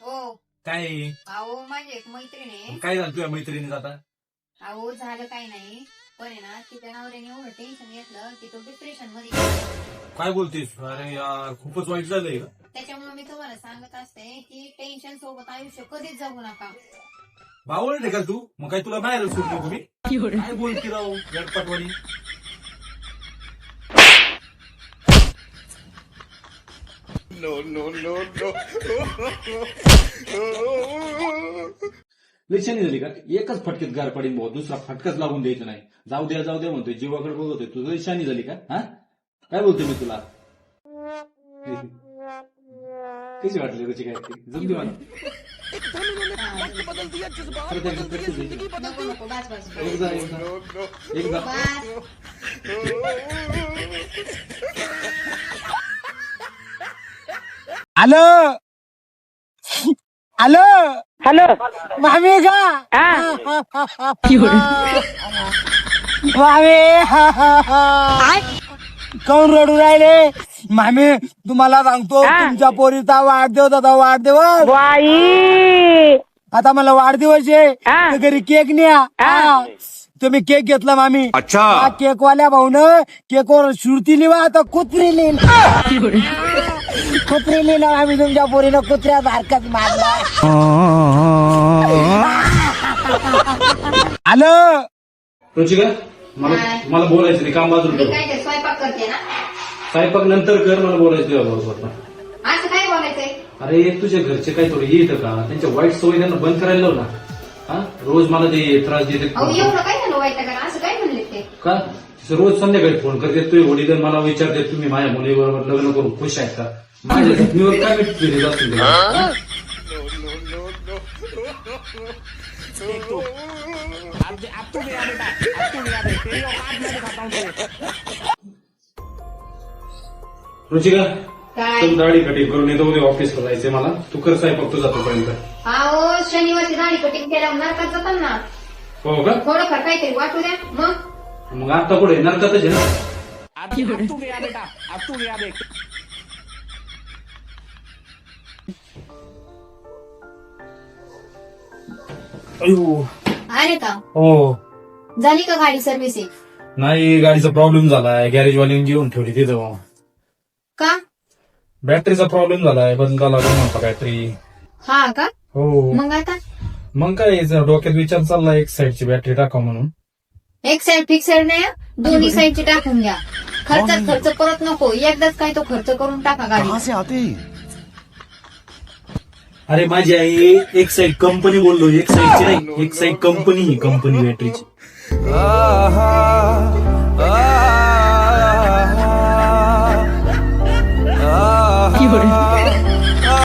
हो. काय आहे? अहो माझी एक मैत्रीण आहे. काय झालं तुझ्या मैत्रिणीचं आता? अहो झालं काही नाही, पण आहे ना तिच्या नवऱ्याने एवढं टेन्शन घेतलं की तो डिप्रेशन मध्ये गेला. काय बोलतेस? अरे यार खूपच वाईट झालंय का? त्याच्यामुळे मी तुम्हाला सांगत असते की टेन्शन सोबत आयुष्य कधीच जगू नका. बावळट का तू? मग काय तुला बाहेर सुटलो तुम्ही? काय बोलती राहू गडपटवाणी? लक्षणी झाली का? एकच फटकेत गार पडेल भाऊ, दुसरा फटकाच लागून द्यायचा नाही. जाऊ द्या म्हणतोय, जीवाकडे बघतोय. तुझं लक्षणी झाली का? हा काय बोलतोय मी तुला? कशी वाटली रुची? काय जमली मला? नको नको बस बस बस. एकदा हॅलो हॅलो हॅलो मामी का मामी कोण रडू राहिले? मामी तुम्हाला सांगतो, तुमच्या पोरीचा वाढदिवस होता. वाढदिवस आता मला वाढदिवस आहे, तर घरी केक न्या. तुम्ही केक घेतला मामी? अच्छा. केक वाल्या भाऊन केकवर श्रुती लिहा, आता कुत्री लिहिली. कुत्री लिहिलं आम्ही, तुमच्या पोरीनं कुत्र्या सारखंच मारला. हॅलो रुचिका, मला बोलायचं नाही, काम बाजूला मी ठेव. काय ते स्वयंपाक करते ना. स्वयंपाक नंतर कर, मला बोलायचं तुझ्या बरोबर. असं काय बोलायचंय? अरे तुझ्या घरचे काही थोडे येतं का? त्यांच्या वाईट सवयी त्यांना बंद करायला लाव ना. हा रोज मला ते त्रास देते अहो एवढं काय झालं वाईट करा? असं काय म्हणले ते? का? रोज संध्याकाळी फोन करते, तुझे वडील मला विचारते तुम्ही माझ्या मुलीबरोबर लग्न करून खुश आहेत का? माझ्या जखमीवर काय भेटते जास्त? रुचिका, काय? तू दाढी कटिंग करून येतो, उद्या ऑफिसला जायचंय मला. तू कर स्वयंपाक, तू जातोपर्यंत. अहो शनिवारची दाढी कटिंग केल्यावर नरकात जातात ना. हो का? थोडंफार काहीतरी वाटू द्या मग आता पुढे नरकातच आहे ना? अयो अरे का हो. झाली का गाडी सर्व्हिसिंग? नाही, गाडीचा प्रॉब्लेम झालाय. गॅरेजवाल्याने घेऊन ठेवली तिथं. का? बॅटरीचा प्रॉब्लेम झालाय, बदला लागून म्हणता काहीतरी. हा का? हो. मग आता मग काय डोक्यात विचार चालला एक साईडची बॅटरी टाका म्हणून. एक साइड फिक्स साइड नाही, दोन्ही साइडची टाकून घ्या. खर्चात खर्च परत नको, एकदाच काय तो खर्च करून टाका गाडी. अरे माझी आई एक साईड कंपनी बोललो, एक साईडची नाही, एक साईड कंपनी ही कंपनी बॅटरीची.